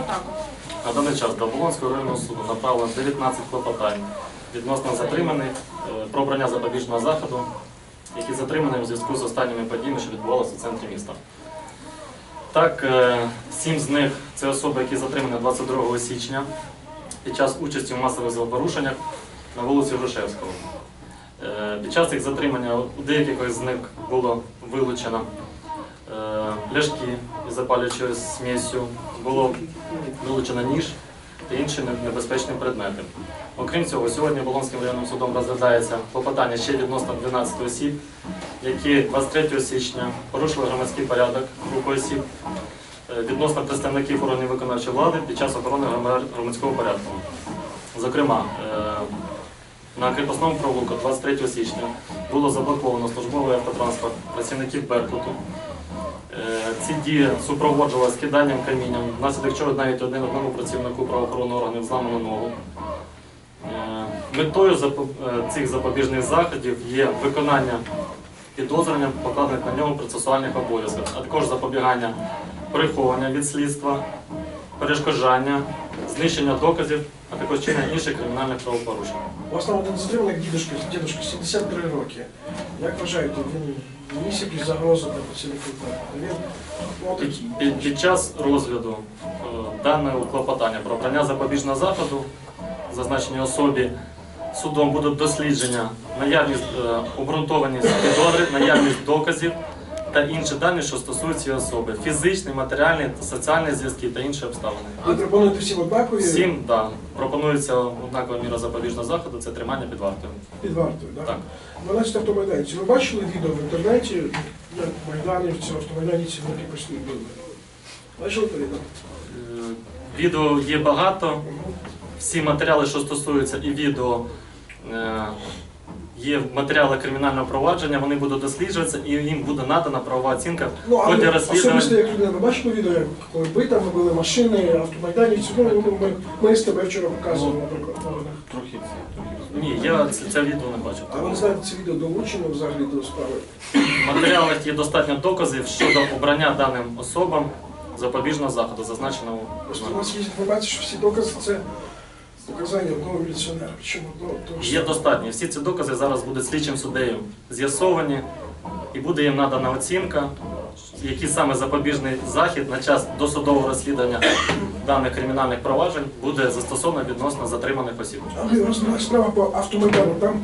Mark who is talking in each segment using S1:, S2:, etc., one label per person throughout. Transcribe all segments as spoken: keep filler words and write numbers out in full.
S1: атаку?
S2: На даний час до Оболонського районного суду направлено дев'ятнадцять клопотань відносно затриманих про обрання запобіжного заходу, які затримані у зв'язку з останніми подіями, що відбувалися в центрі міста. Так, сім з них – це особи, які затримані двадцять другого січня під час участі в масових правопорушеннях на вулиці Грушевського. Під час їх затримання у деяких з них було вилучено пляшки із запалюючою смісю, було вилучено ніж та інші небезпечні предмети. Окрім цього, сьогодні Оболонським районним судом розглядається клопотання ще відносно дванадцяти осіб, які двадцять третього січня порушили громадський порядок групи осіб відносно представників органів виконавчої влади під час охорони громадського порядку. Зокрема, на кріпосному провулку двадцять третього січня було заблоковано службовий автотранспорт працівників Беркуту. Ці дії супроводжували скиданням камінням, внаслідок чого навіть один одному працівнику правоохоронних органів зламано ногу. Метою цих запобіжних заходів є виконання підозрювання, покладених на нього процесуальних обов'язків, а також запобігання приховання від слідства, перешкоджання, знищення доказів, а також чинення інших кримінальних правопорушень.
S3: У вас там один затриманий дідушка, дідушка, сімдесят три роки. Як вважаєте, він ніс якісь загрози для працівників?
S2: Під, під, під час розгляду е, даного клопотання про обрання запобіжного заходу зазначеній особі судом будуть дослідження, наявність е, обґрунтованість підозри, наявність доказів та інші дані, що стосуються цієї особи. Фізичні, матеріальні, соціальні зв'язки та інші обставини.
S3: Ви пропонуєте всім однакові?
S2: Всім, так. Да. Пропонується однакова міра запобіжного заходу – це тримання під вартою.
S3: Під вартою, так?
S2: Так.
S3: дванадцять автомайданців. Ви бачили відео в інтернеті, як майданівці, автомайданівці на кріпосні били? Бачили це відео?
S2: Відео є багато. Всі матеріали, що стосуються і відео, є матеріали кримінального провадження, вони будуть досліджуватися і їм буде надана правова оцінка
S3: ну,
S2: в ході розслідування.
S3: Особисто, як людина, ви бачили відео, як коли битами були машини, автомайданівці, ну, ми, ми з тебе вчора показували, наприклад, в новинах.
S2: Трохи, трохи. Ні, я це, це відео не бачив.
S3: А ви не знаєте, це відео долучено взагалі до справи?
S2: В матеріалах є достатньо доказів щодо обрання даним особам запобіжного заходу, зазначеного.
S3: Просто у нас є інформація, що всі докази – це показання одного міліціонера. Чому одного? Того ж
S2: Є достатньо. Всі ці докази зараз будуть слідчим суддею з'ясовані і буде їм надана оцінка, який саме запобіжний захід на час досудового розслідування даних кримінальних проваджень буде застосовано відносно затриманих осіб.
S3: Але розбиралася справа по автомайдану. Там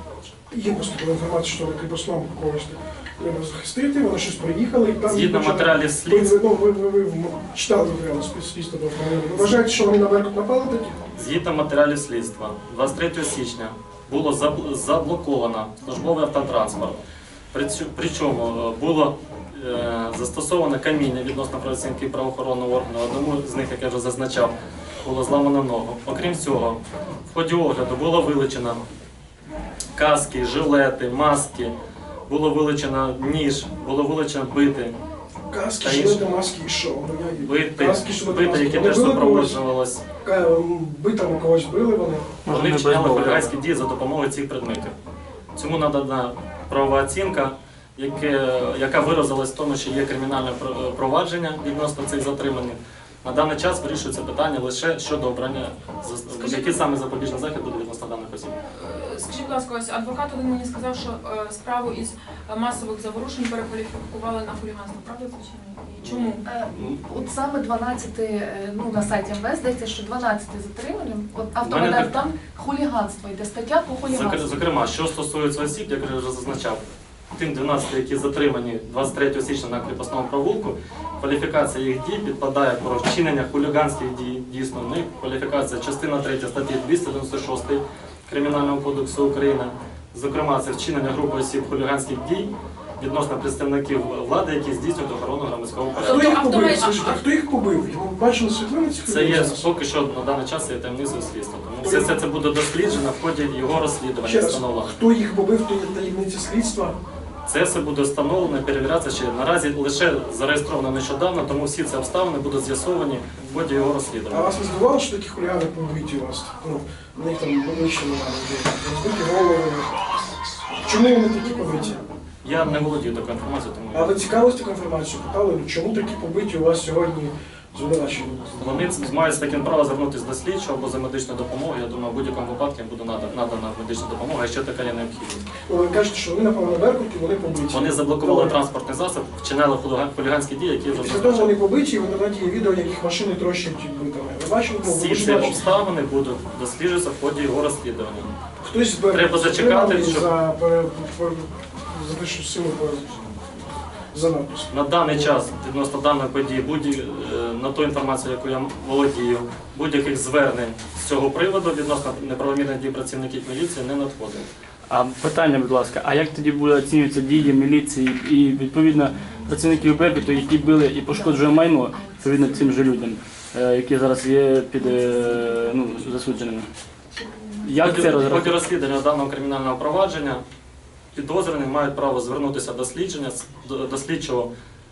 S3: є просто інформація, що на кріпосному когось треба захистити, вони щось приїхали і там...
S2: Згідно матеріалів слідства...
S3: Ну, ви, ви, ви, ви читали матеріали слідства до автомайдану. Ви вважаєте, що вони на Беркут напали тоді?
S2: Згідно матеріалів слідства, двадцять третього січня було заблоковано службовий автотранспорт. Причому було е, застосовано каміння відносно працівників правоохоронного органу. Одному з них, як я вже зазначав, було зламано ногу. Окрім цього, в ході огляду було вилучено каски, жилети, маски, було вилучено ніж, було вилучено бити.
S3: Каски, жилети, маски і що?
S2: Бити, бити, які теж супроводжувалися.
S3: Битами когось били вони?
S2: Вони вчиняли хуліганські дії за допомогою цих предметів. Цьому надана правова оцінка, яке, яка виразилась в тому, що є кримінальне провадження відносно цих затриманих. На даний час вирішується питання лише щодо обрання, які саме запобіжний захід буде відносно даних осіб.
S1: Скажіть, будь ласка, ось адвокат один мені сказав, що е, справу із масових заворушень перекваліфікували на хуліганство. Правда це чи ні? І чому?
S4: Е, от саме дванадцять, ну на сайті ем ве ес здається, що дванадцять затримані, от автомайдан там хуліганство, йде стаття по хуліганству.
S2: Зокрема, що стосується осіб, як я вже зазначав, тим дванадцяти, які затримані двадцять третього січня на кріпосному провулку, кваліфікація їх дій підпадає про вчинення хуліганських дій, дійсно, в них кваліфікація частина третя статті двісті дев'яносто шість Кримінального кодексу України, зокрема, це вчинення групи осіб хуліганських дій відносно представників влади, які здійснюють охорону громадського порядку.
S3: Хто їх побив? Скажіть, а хто їх побив? Ви бачили світлини цих
S2: Це є,
S3: людей?
S2: поки що на даний час є таємницею слідства. Тому все, все це буде досліджено в ході його розслідування.
S3: Ще раз,
S2: встановлено.
S3: хто їх побив, то є таємниця слідства?
S2: Це все буде встановлено, перевірятися ще. Наразі лише зареєстровано нещодавно, тому всі ці обставини будуть з'ясовані в ході його
S3: А
S2: розслідування.
S3: вас не здивувало, що такі хулігани побиті у вас? Ну, в них там вищено розбиті голови. Чому вони такі побиті?
S2: Я не володію такою інформацією, тому...
S3: А ви цікавились таку інформацію? Питали, чому такі побиті у вас сьогодні звинувачення?
S2: Вони мають з таким право звернутися до слідчого або за медичною допомогою. Я думаю, в будь-якому випадку їм буде нада- надана медична допомога, якщо така є необхідність.
S3: Ну, ви кажете, що вони напали на Беркут і вони побиті.
S2: Вони заблокували
S3: Добре.
S2: транспортний засіб, вчинили хуліган- хуліганські дії, які вже
S3: Після того
S2: зазначені.
S3: вони побиті, і в інтернеті є відео, як їх машини трощать битами. Ви бачили? Ну, ви
S2: Всі
S3: ж
S2: ці
S3: бачите.
S2: обставини будуть досліджуватися в ході його розслідування.
S3: Хтось з Беркуту
S2: Треба зачекати,
S3: затриманий
S2: щоб-
S3: за, пере- пер- за те, що силу пере- за надпис.
S2: На даний час відносно даної події, будь е, на ту інформацію, яку я володію, будь-яких звернень з цього приводу відносно неправомірних дій працівників міліції не надходило.
S5: А питання, будь ласка, а як тоді буде оцінюватися дії міліції і відповідно працівників Беркуту, які били і пошкоджує майно відповідно цим же людям, е, які зараз є під е, ну, засудженими?
S2: В
S5: Як
S2: ході-
S5: це
S2: в ході
S5: розраховувати?
S2: розслідування даного кримінального провадження підозрювані мають право звернутися до слідчення, до, до слідчого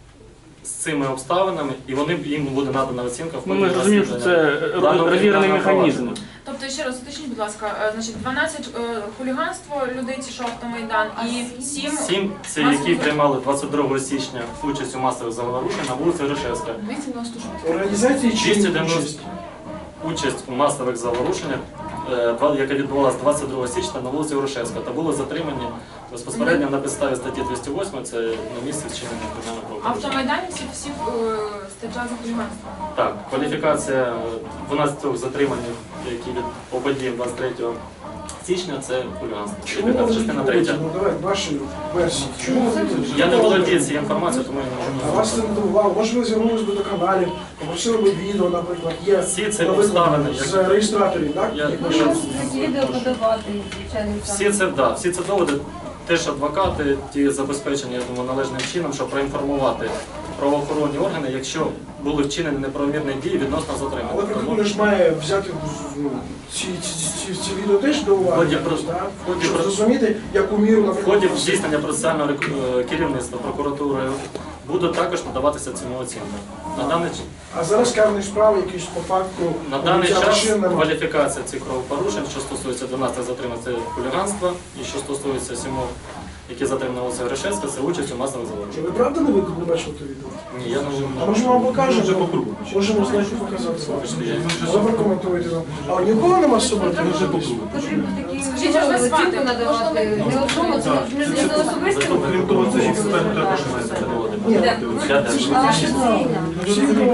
S2: з цими обставинами, і вони їм буде надана оцінка в
S5: Ну,
S2: ході
S5: ми ж розуміємо, що це
S2: розслідування даного
S5: розірваний
S2: кримінального
S5: механізм.
S2: провадження.
S1: Тобто, ще раз уточніть, будь ласка, е, значить, дванадцять е, хуліганство людей, ці що автомайдан, і сім
S2: Сім це які приймали двадцять другого січня участь у масових заворушень на вулиці Грушевська.
S4: двісті дев'яносто шість.
S3: Організації чи
S2: двісті дев'яносто
S3: участь?
S2: Участь у масових заворушеннях, е, два- яка відбувалася двадцять другого січня на вулиці Грушевська, та були затримані безпосередньо на підставі статті двісті восьмої, це на місці вчинення кримінального правопорушення.
S1: автомайдані всі, всі е, стаття за хуліганство.
S2: Так, кваліфікація е, дванадцяти затриманих, які від по подіям двадцять третього січня, це хуліганство. Це
S3: Чому
S2: якраз
S3: вони
S2: частина
S3: побиті?
S2: третя.
S3: Ну давай, ваші версії. Чому вони побиті?
S2: Я не володію цією інформацією, тому я не
S3: А
S2: можу
S3: вас це
S2: назвати.
S3: не дивувало? Може ви звернулись би до каналів, попросили би відео, наприклад, є
S2: Всі ці
S3: наприклад,
S2: обставини, як-
S3: з реєстраторів, так?
S2: Я-
S3: Як
S2: я-
S3: машин?
S6: Відео подавати, звичайно.
S2: Всі це, да, всі це доводи, теж адвокати, ті забезпечені, я думаю, належним чином, щоб проінформувати правоохоронні органи, якщо були вчинені неправомірні дії відносно
S3: Але
S2: затримання. Тому
S3: прокурор ж має взяти ну, ці, ці, ці, ці відео теж до
S2: В
S3: уваги,
S2: ході
S3: якось,
S2: про-
S3: так?
S2: в ході
S3: Щоб
S2: про-
S3: зрозуміти, яку міру,
S2: в
S3: наприклад,
S2: ході здійснення процесуального рек- е, керівництва прокуратури буде також надаватися цьому оцінка. На даний, ч-
S3: А зараз карні справи якісь по факту
S2: на даний
S3: побиття
S2: час
S3: машин немає.
S2: кваліфікація цих правопорушень, що стосується дванадцяти затримань, це хуліганство, і що стосується сімох, які затримали вулиця Грушевська, це участь у масових
S3: Чи
S2: заворушеннях.
S3: ви правда не, ви- не бачили те відео?
S2: Ні, я не
S3: А може вам покажемо? Можемо знайти показати. Але прокоментуйте нам. А у нікого нема з собою?
S6: Потрібно такі
S1: Скажіть, як вас звати?
S6: оцінку надавати. Не одному, це не не особисто.
S2: Крім того, це ж експерт також має це доводити.
S3: Ні,
S2: Я теж.
S6: А офіційно.
S3: всі відео